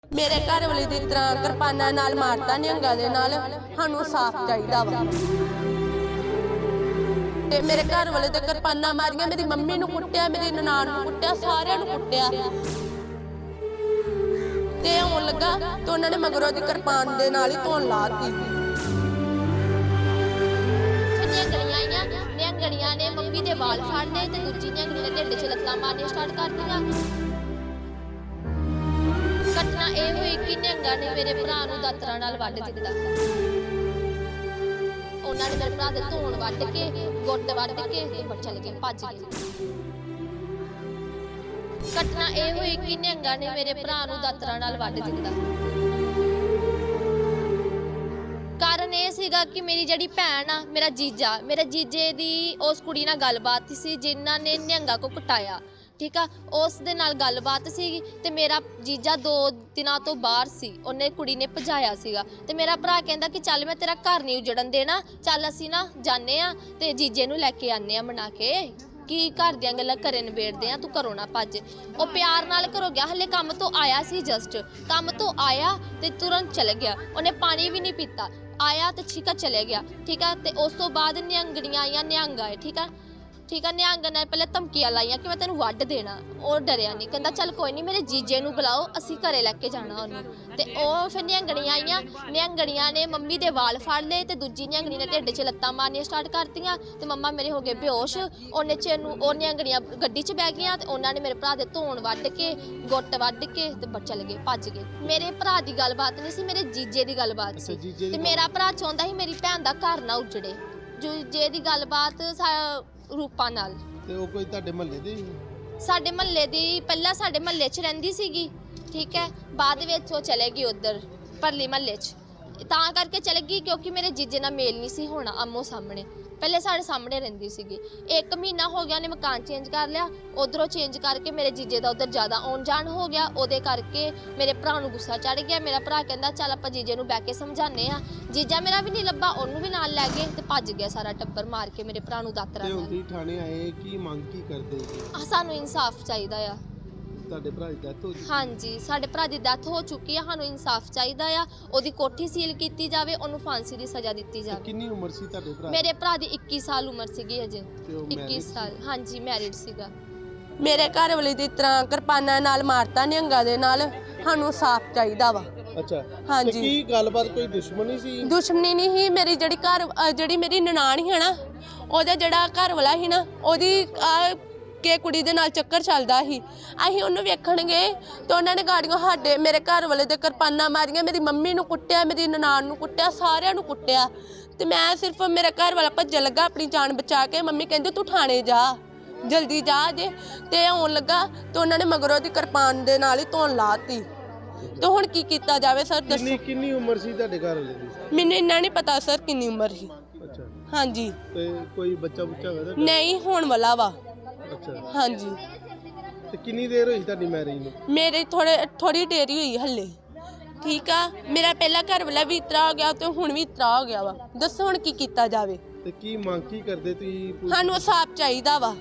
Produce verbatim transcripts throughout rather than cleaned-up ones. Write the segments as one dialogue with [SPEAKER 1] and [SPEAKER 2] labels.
[SPEAKER 1] मेरे घर वाले की तरह किरपाना नाल मारता निहंगा दे नाल सानू साफ चाहिदा वा। ते मेरे घर वाले ते किरपाना मारियां, मेरी मम्मी नू कुट्टिया, मेरी ननान नू कुट्टिया, सारियां नू कुट्टिया। ते होण लगा ते उन्होंने मगरों दी किरपान दे नाल ही धोन लाती।
[SPEAKER 2] निहंगड़ियां ने मम्मी दे वाल फाड़ लए ते दूजी निहंगड़ी ने ढिड च लत्तां मारनियां स्टार्ट कर दियां। घटना ਇਹ ਹੋਈ ਕਿ ਨਿਹੰਗਾਂ ਨੇ ਮੇਰੇ ਭਰਾ ਨੂੰ ਦਾਤਰਾਂ ਨਾਲ ਵੱਢ ਦਿੱਤਾ। ਉਹਨਾਂ ਨੇ ਮੇਰੇ ਭਰਾ ਦੇ ਧੌਣ ਵੱਢ ਕੇ, ਗੁੱਟ ਵੱਢ ਕੇ ਤੇ ਉੱਪਰ ਚਲੇ ਗਏ, ਭੱਜ ਗਏ। ਘਟਨਾ ਇਹ ਹੋਈ ਕਿ ਨਿਹੰਗਾਂ ਨੇ ਮੇਰੇ ਭਰਾ ਨੂੰ ਦਾਤਰਾਂ ਨਾਲ ਵੱਢ ਦਿੱਤਾ। ਕਾਰਨ ਇਹ ਸੀਗਾ ਕਿ ਮੇਰੀ ਜਿਹੜੀ ਭੈਣ ਆ, ਮੇਰਾ ਜੀਜਾ, ਮੇਰੇ ਜੀਜੇ ਦੀ ਉਸ ਕੁੜੀ ਨਾਲ ਗੱਲਬਾਤ ਸੀ ਜਿਨ੍ਹਾਂ ਨੇ ਨਿਹੰਗਾਂ ਕੋ ਕੁਟਾਇਆ। ठीक है, उस दे नाल गलबात सी ते मेरा जीजा दो दिनों तो बाहर सी, उन्हें कुड़ी ने भजाया सीगा ते मेरा भरा कहंदा कि चल मैं तेरा घर नहीं उजड़न देना, चल असी ना जाने आ ते जीजे नूं लैके आने आ मना के कि घर दियां गल्लां घरे नबेड़दे आ, तू घरों ना भज। वो प्यार नाल घरों गया, हले काम तो आया सी, जस्ट काम तो आया ते तुरंत चले गया। उन्हें पानी भी नहीं पीता, आया तो ठीक है चले गया। ठीक है, तो उस तो बाद निहंगड़ियां आईयां, निहंग आए। ठीक है ठीक है, निहंग ने पहले धमकियां लाइया कि मैं तेन वड्ढ देना। और डरिया नहीं, कहता चल कोई नहीं, मेरे जीजे नूं बुलाओ, असी घरे लैके जाना उन्होंने। ते ओह फिर निहंगड़ियां आईयां, निहंगड़ियां ने मम्मी दे वाल फाड़ लए ते दूजी निहंगड़ी ने ढिड च लत्तां मारनियां स्टार्ट कर दियां ते मम्मा मेरे हो गए बेहोश। उन्ने च ओह निहंगड़ियां गड्डी च बह गईयां ते उन्होंने मेरे भरा दे धौण वड्ढ के, गुੱਟ वड्ढ के ते चले गए, भज गए। मेरे भरा दी गलबात नहीं सी, मेरे जीजे दी गलबात सी ते मेरा भरा चाहुंदा सी मेरी भैन दा घर ना उजड़े। जीजे दी गलबात रूपा नाल
[SPEAKER 3] ਤੇ ਉਹ ਕੋਈ ਤੁਹਾਡੇ ਮਹੱਲੇ ਦੇ
[SPEAKER 2] ਸਾਡੇ ਮਹੱਲੇ ਦੀ ਪਹਿਲਾਂ ਸਾਡੇ ਮਹੱਲੇ 'ਚ ਰਹਿੰਦੀ ਸੀਗੀ। ਠੀਕ ਹੈ, ਬਾਅਦ ਵਿੱਚ ਉਹ ਚਲੇ ਗਈ ਉੱਧਰ ਪਰਲੀ ਮਹੱਲੇ 'ਚ, ਤਾਂ ਕਰਕੇ ਚਲੇ ਗਈ ਕਿਉਂਕਿ ਮੇਰੇ ਜੀਜੇ ਨਾਲ ਮੇਲ ਨਹੀਂ ਸੀ ਹੋਣਾ ਆਮੋ ਸਾਹਮਣੇ। ਪਹਿਲੇ ਸਾਡੇ ਸਾਹਮਣੇ ਰਹਿੰਦੀ ਸੀਗੀ, ਇੱਕ ਮਹੀਨਾ ਹੋ ਗਿਆ ਉਹਨੇ ਮਕਾਨ ਚੇਂਜ ਕਰ ਲਿਆ, ਉਧਰੋਂ ਚੇਂਜ ਕਰਕੇ ਮੇਰੇ ਜੀਜੇ ਦਾ ਉਧਰ ਜ਼ਿਆਦਾ ਆਉਣ ਜਾਣ ਹੋ ਗਿਆ। ਉਹਦੇ ਕਰਕੇ ਮੇਰੇ ਭਰਾ ਨੂੰ ਗੁੱਸਾ ਚੜ ਗਿਆ। ਮੇਰਾ ਭਰਾ ਕਹਿੰਦਾ ਚੱਲ ਆਪਾਂ ਜੀਜੇ ਨੂੰ ਬਹਿ ਕੇ ਸਮਝਾਉਂਦੇ ਆ। ਜੀਜਾ ਮੇਰਾ ਵੀ ਨਹੀਂ ਲੱਭਾ, ਉਹਨੂੰ ਵੀ ਨਾਲ ਲੈ ਗਏ ਤੇ ਭੱਜ ਗਿਆ ਸਾਰਾ ਟੱਬਰ, ਮਾਰ ਕੇ ਮੇਰੇ ਭਰਾ ਨੂੰ ਦਾਤਰਾ ਨਾਲ।
[SPEAKER 3] ਤੇ ਥਾਣੇ ਆਏ, ਕੀ ਮੰਗ ਕੀ ਕਰਦੇ?
[SPEAKER 2] ਆ ਸਾਨੂੰ ਇਨਸਾਫ ਚਾਹੀਦਾ ਆ।
[SPEAKER 3] ਤੁਹਾਡੇ ਭਰਾ ਦੀ ਡੈਥ ਹੋ ਗਈ?
[SPEAKER 2] ਹਾਂਜੀ, ਸਾਡੇ ਭਰਾ ਦੀ ਡੈਥ ਹੋ ਚੁੱਕੀ ਆ, ਸਾਨੂੰ ਇਨਸਾਫ ਚਾਹੀਦਾ ਆ। ਉਹਦੀ ਕੋਠੀ ਸੀਲ ਕੀਤੀ ਜਾਵੇ, ਉਹਨੂੰ ਫਾਂਸੀ ਦੀ ਸਜ਼ਾ ਦਿੱਤੀ ਜਾਵੇ।
[SPEAKER 3] ਕਿੰਨੀ ਉਮਰ ਸੀ ਤੁਹਾਡੇ ਭਰਾ?
[SPEAKER 2] ਮੇਰੇ ਭਰਾ ਦੀ ਇੱਕੀ ਸਾਲ ਉਮਰ ਸੀਗੀ ਅਜੇ, ਇੱਕੀ ਸਾਲ। ਹਾਂਜੀ, ਮੈਰਿਡ ਸੀਗਾ।
[SPEAKER 1] मेरे घर वाले की तरह किरपाना नाल मारता निहंगा दे नाल सानू साफ चाहिदा वा।
[SPEAKER 3] अच्छा,
[SPEAKER 1] हाँ
[SPEAKER 3] ते
[SPEAKER 1] जी।
[SPEAKER 3] की गलबात कोई दुश्मनी सी?
[SPEAKER 1] दुश्मनी नहीं ही, मेरी जड़ी घर जड़ी मेरी ननान ही है ना, ओहदा जड़ा घर वाला ही ना, ओहदी के कुड़ी दे नाल चक्कर चलदा ही। असीं ओहनूं वेखण गए ते उन्हां ने गाड़ियों साडे मेरे घर वाले दे किरपाना मारियां, मेरी मम्मी नूं कुट्टिया, मेरी ननान नूं कुट्टिया, सारियां नूं कुट्टिया। ते मैं सिर्फ मेरा घर वाला भज्जन लगा अपनी जान बचा के। मम्मी कहंदी तू थाणे जा, जल्दी जा जे। ते आउण लगा ते उन्होंने मगरों दी किरपान दे नाल ही धौन लाती। ते हुण की कीता जावे सर दस्सो?
[SPEAKER 3] किन्नी किन्नी उम्र सी ਤੁਹਾਡੇ ਘਰ ਵਾਲੇ ਦੀ?
[SPEAKER 1] मैनूं इन्ना नहीं पता सर किन्नी उम्र ही।
[SPEAKER 3] अच्छा,
[SPEAKER 1] हाँ जी।
[SPEAKER 3] ਤੇ ਕੋਈ ਬੱਚਾ ਬੁੱਚਾ ਹੋਇਆ?
[SPEAKER 1] नहीं होण वाला वा।
[SPEAKER 3] अच्छा,
[SPEAKER 1] हाँ जी।
[SPEAKER 3] ਤੇ ਕਿੰਨੀ ਦੇਰ ਹੋਈ ਤੁਹਾਡੀ ਮੈਰਿਜ ਨੂੰ?
[SPEAKER 1] मेरे थोड़े थोड़ी देरी हुई हले। ठीक आ, मेरा पहला घर वाला भी इतरा हो गया ते हुण भी इतरा हो गया वा। दस्सो हुण की कीता जावे?
[SPEAKER 3] ਤੇ ਕੀ ਮੰਗ ਕੀ ਕਰਦੇ ਤੁਸੀਂ?
[SPEAKER 1] सानूं साफ चाहिदा वा।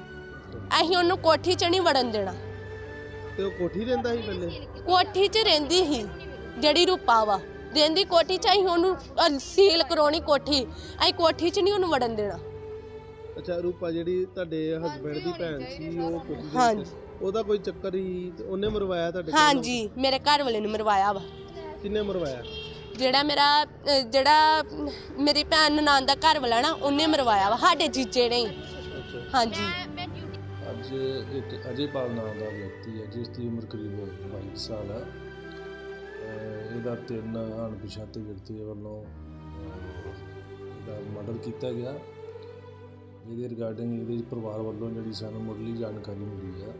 [SPEAKER 1] ਅਸੀਂ ਉਹਨੂੰ ਕੋਠੀ 'ਚ ਨਹੀਂ ਵੜਨ ਦੇਣਾ।
[SPEAKER 3] ਤੇ ਉਹ ਕੋਠੀ ਰਹਿੰਦਾ ਸੀ ਪਹਿਲੇ?
[SPEAKER 1] ਕੋਠੀ 'ਚ ਰਹਿੰਦੀ ਸੀ ਜਿਹੜੀ ਰੂਪਾ ਵਾ, ਰਹਿੰਦੀ ਕੋਠੀ 'ਚ। ਅਸੀਂ ਉਹਨੂੰ ਸੀਲ ਕਰਾਉਣੀ ਕੋਠੀ, ਅਸੀਂ ਕੋਠੀ 'ਚ ਨਹੀਂ ਉਹਨੂੰ ਵੜਨ ਦੇਣਾ।
[SPEAKER 3] ਅੱਛਾ, ਰੂਪਾ ਜਿਹੜੀ ਤੁਹਾਡੇ ਹਸਬੈਂਡ ਦੀ ਭੈਣ ਸੀ, ਉਹ ਕੋਠੀ ਦੇ
[SPEAKER 1] ਹਾਂਜੀ।
[SPEAKER 3] ਵਿੱਚ ਉਹਦਾ ਕੋਈ ਚੱਕਰ ਹੀ ਤੇ ਉਹਨੇ ਮਰਵਾਇਆ ਤੁਹਾਡੇ ਕੋਲ?
[SPEAKER 1] ਹਾਂਜੀ, ਮੇਰੇ ਘਰ ਵਾਲੇ ਨੇ ਮਰਵਾਇਆ ਵਾ।
[SPEAKER 3] ਕਿੰਨੇ ਮਰਵਾਇਆ?
[SPEAKER 1] ਜਿਹੜਾ ਮੇਰਾ ਅਹ, ਜਿਹੜਾ ਮੇਰੀ ਭੈਣ ਨਨਾਣ ਦਾ ਘਰ ਵਾਲਾ ਨਾ, ਉਹਨੇ ਮਰਵਾਇਆ ਵਾ, ਸਾਡੇ ਜੀਜੇ ਨੇ।
[SPEAKER 3] ਅੱਛਾ,
[SPEAKER 1] ਹਾਂਜੀ।
[SPEAKER 4] ਅੱਜ ਇੱਕ ਅਜੇਪਾਲ ਨਾਮ ਦਾ ਵਿਅਕਤੀ ਹੈ ਜਿਸ ਦੀ ਉਮਰ ਕਰੀਬ ਬਾਈ ਸਾਲ ਹੈ। ਅਹ ਇਹਦਾ ਤਿੰਨ ਅਣਪਛਾਤੇ ਵਿਅਕਤੀਆਂ ਵੱਲੋਂ ਅਹ ਇਹਦਾ ਮਰਡਰ ਕੀਤਾ ਗਿਆ। ਇਹਦੇ ਰਿਗਾਰਡਿੰਗ ਇਹਦੇ ਪਰਿਵਾਰ ਵੱਲੋਂ ਜਿਹੜੀ ਸਾਨੂੰ ਮੁੱਢਲੀ ਜਾਣਕਾਰੀ ਮਿਲੀ ਹੈ,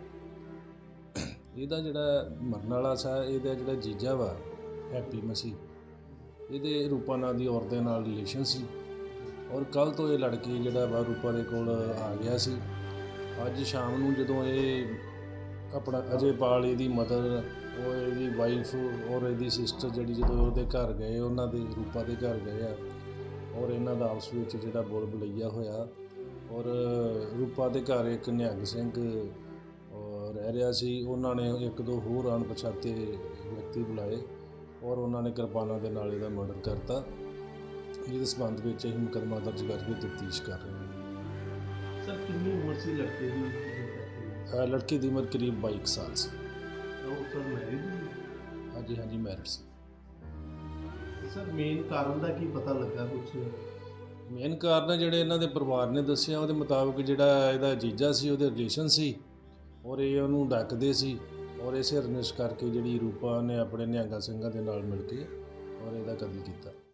[SPEAKER 4] ਇਹਦਾ ਜਿਹੜਾ ਮਰਨ ਵਾਲਾ ਸੀ, ਇਹਦਾ ਜਿਹੜਾ ਜੀਜਾ ਵਾ ਹੈਪੀ ਮਸੀਹ, ਇਹਦੇ ਰੂਪਾ ਨਾਂ ਦੀ ਔਰਤ ਦੇ ਨਾਲ ਰਿਲੇਸ਼ਨ ਸੀ। ਔਰ ਕੱਲ੍ਹ ਤੋਂ ਇਹ ਲੜਕੀ ਜਿਹੜਾ ਵਾ ਰੂਪਾ ਦੇ ਕੋਲ ਆ ਗਿਆ ਸੀ। ਅੱਜ ਸ਼ਾਮ ਨੂੰ ਜਦੋਂ ਇਹ ਆਪਣਾ ਅਜੇਪਾਲ, ਇਹਦੀ ਮਦਰ, ਉਹ ਇਹਦੀ ਵਾਈਫ ਔਰ ਇਹਦੀ ਸਿਸਟਰ ਜਿਹੜੀ ਜਦੋਂ ਉਹਦੇ ਘਰ ਗਏ, ਉਹਨਾਂ ਦੇ ਰੂਪਾ ਦੇ ਘਰ ਗਏ ਆ, ਔਰ ਇਹਨਾਂ ਦਾ ਆਪਸ ਵਿੱਚ ਜਿਹੜਾ ਬੋਲ ਬਲਈਆ ਹੋਇਆ। ਔਰ ਰੂਪਾ ਦੇ ਘਰ ਇੱਕ ਨਿਹੰਗ ਸਿੰਘ ਰਹਿ ਰਿਹਾ ਸੀ। ਉਹਨਾਂ ਨੇ ਇੱਕ ਦੋ ਹੋਰ ਅਣਪਛਾਤੇ ਵਿਅਕਤੀ ਬੁਲਾਏ ਔਰ ਉਹਨਾਂ ਨੇ ਕਿਰਪਾਨਾਂ ਦੇ ਨਾਲ ਇਹਦਾ ਮਰਡਰ ਕਰਤਾ, ਜਿਹਦੇ ਸੰਬੰਧ ਵਿੱਚ ਅਸੀਂ ਮੁਕੱਦਮਾ ਦਰਜ ਕਰਕੇ ਤਫਤੀਸ਼ ਕਰ ਰਹੇ ਹਾਂ।
[SPEAKER 3] ਸਰ ਕਿੰਨੀ ਉਮਰ ਸੀ ਲੜਕੇ ਦੀ?
[SPEAKER 4] ਅਹ ਲੜਕੀ ਦੀ ਉਮਰ ਕਰੀਬ ਬਾਈ ਕੁ ਸਾਲ ਸੀ।
[SPEAKER 3] ਉਹ ਸਰ ਮੈਰਿਡ?
[SPEAKER 4] ਹਾਂਜੀ ਹਾਂਜੀ ਮੈਰਿਡ ਸੀ।
[SPEAKER 3] ਸਰ ਮੇਨ ਕਾਰਨ ਦਾ ਕੀ ਪਤਾ ਲੱਗਾ ਕੁਛ?
[SPEAKER 4] ਮੇਨ ਕਾਰਨ ਜਿਹੜੇ ਇਹਨਾਂ ਦੇ ਪਰਿਵਾਰ ਨੇ ਦੱਸਿਆ ਉਹਦੇ ਮੁਤਾਬਕ ਜਿਹੜਾ ਇਹਦਾ ਜੀਜਾ ਸੀ ਉਹਦੇ ਰਿਲੇਸ਼ਨ ਸੀ ਔਰ ਇਹ ਉਹਨੂੰ ਡੱਕਦੇ ਸੀ ਔਰ ਇਸੇ ਰੰਜਿਸ਼ ਕਰਕੇ ਜਿਹੜੀ ਰੂਪਾ ਨੇ ਆਪਣੇ ਨਿਹੰਗਾ ਸਿੰਘਾਂ ਦੇ ਨਾਲ ਮਿਲ ਕੇ ਔਰ ਇਹਦਾ ਕਤਲ ਕੀਤਾ।